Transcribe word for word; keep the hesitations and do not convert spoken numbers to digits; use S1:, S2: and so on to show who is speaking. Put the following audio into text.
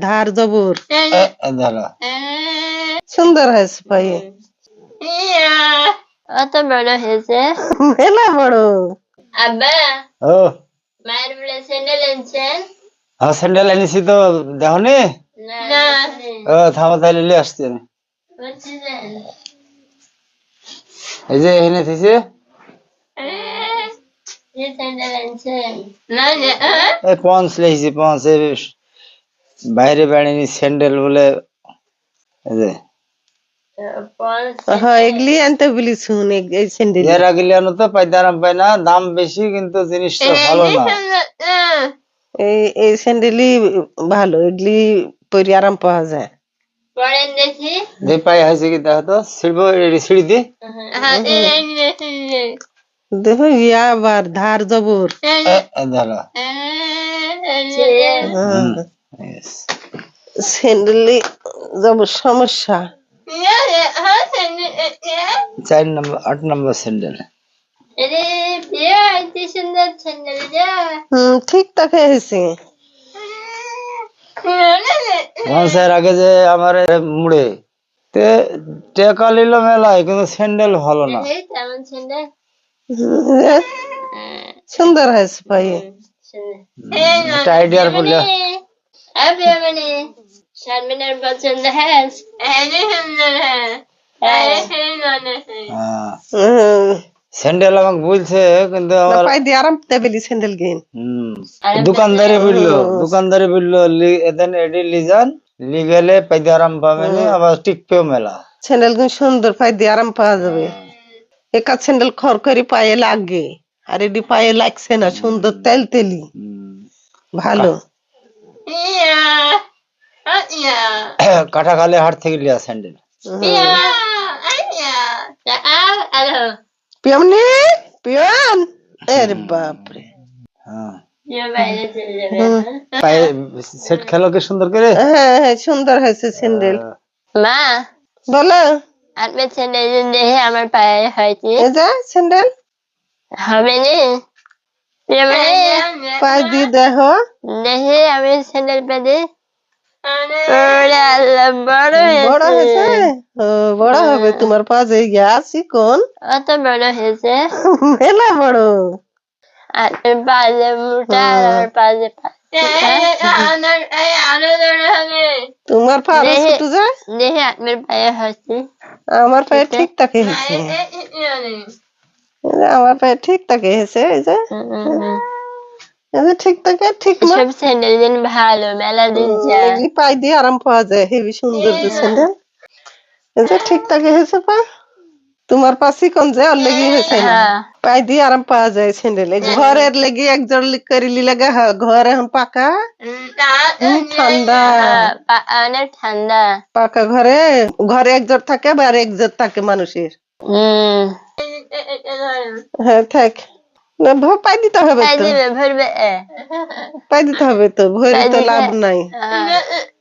S1: ধার জবর
S2: ধরো
S1: সুন্দর হয়েছে পায়ে
S3: অত বড় হয়েছে
S1: মেলা বড়।
S3: আব্বা
S2: ও
S3: মায়ের বলে স্যান্ডেল এনেছেন?
S2: হ্যাঁ স্যান্ডেল এনেছি তো দেখো নি?
S3: না
S2: ও থামো তাহলে নিয়ে আসছি আমি।
S3: বুঝছেন
S2: এই যে এনে থেছে
S3: যে স্যান্ডেল এনেছেন না না
S2: এই পঞ্চ লেগেছি পঞ্চ এই বাইরে বেড়ানি স্যান্ডেল বলে এই যে
S1: হ্যাঁ এগুলি আনতে বলি শুন এই স্যান্ডেল
S2: এর আগে লিয়ানো তো পাইতে আরাম পাই না, দাম বেশি কিন্তু জিনিসটা ভালো না।
S1: এই এই স্যান্ডেলই ভালো, এগুলি পরে আরাম পাওয়া যায়।
S3: পরেন দেখি
S2: যে পাই হয়েছে কি দেখো তো সিঁড়ব সিঁড়ি দি
S1: দেখো ইয়া আবার ধার জবর
S2: ধরো
S1: স্যান্ডেলই জবর সমস্যা।
S2: চার নম্বর আট নম্বর স্যান্ডেল
S3: সুন্দর স্যান্ডেল
S1: হম ঠিক তাকে হয়েছে।
S2: পঞ্চের আগে যে আমার মুড়ে তে টেকা নিল মেলায় কিন্তু স্যান্ডেল ভালো না।
S3: তেমন স্যান্ডেল
S1: সুন্দর হয়েছে পায়ে
S2: একটা আইডিয়ার বলে
S3: अभी मैंने शर्मिनार पसंद है ऐसे सुंदर है ऐसे सुंदर है
S2: স্যান্ডেল আমাকে বলছে কিন্তু আমার
S1: পায়ে দিয়ে আরাম পেলি স্যান্ডেল গেন।
S2: হম দোকানদারে বললো দোকানদারে বললো এদেন এডি লিজান লিগেলে পাইতে আরাম পাবে না আবার টিকপেও মেলা
S1: স্যান্ডেল গুলো সুন্দর পায়ে দিয়ে আরাম পাওয়া যাবে। একা স্যান্ডেল খর করে পায়ে লাগে আর এডি পায়ে লাগছে না, সুন্দর তেল তেলি ভালো।
S2: কাটা খালে হাট থেকে লিয়া স্যান্ডেল
S1: পিয়মনি পিয়ন আরে বাপরে
S2: হ্যাঁ
S3: ये বাইরে চলে যাবে
S2: পায়ে সেট খেলো কি সুন্দর করে।
S1: হ্যাঁ হ্যাঁ সুন্দর হয়েছে স্যান্ডেল।
S3: মা
S1: বলো
S3: আপনি স্যান্ডেল দেখে আমার পায়ে হয়েছে
S1: এই যে স্যান্ডেল
S3: হবে নি
S1: পায়ে দিয়ে দেখো
S3: দেখে আমি স্যান্ডেল পেতে বড়
S1: বড় হয়েছে। ও বড় হবে তোমার পা যে গেছি কোন
S3: অত বড় হয়েছে
S1: মেলা বড়।
S3: আর পাজে মোটা আর পাজে
S1: তোমার পা আরো ছোট যায়,
S3: দেখে আপনার পায়ে হয়েছে
S1: আমার পায়ে ঠিক তাকে হয়েছে। আমার পায়ে ঠিক তাকে হয়েছে এই যে এই যে ঠিক তাকে ঠিক না
S3: সব স্যান্ডেল দিন ভালো মেলা দিন যায়
S1: এগুলি পায়ে দিয়ে আরাম পাওয়া যায় হেবি সুন্দর যে স্যান্ডেল এই যে ঠিক তাকে হয়েছে পা। তোমার পা চিকন যে ওর লেগে হয়েছে না, পায়ে দিয়ে আরাম পাওয়া যায় স্যান্ডেল। ঘরের লেগে একজন করিলি লাগে ঘর এখন পাকা ঠান্ডা
S3: অনেক ঠান্ডা
S1: পাকা ঘরে ঘরে একজোট থাকে বা আর একজোট থাকে মানুষের।
S3: হম
S1: হ্যাঁ থাক না পাই দিতে হবে তো
S3: ভরবে
S1: পাই দিতে হবে তো ভরে তো লাভ নাই।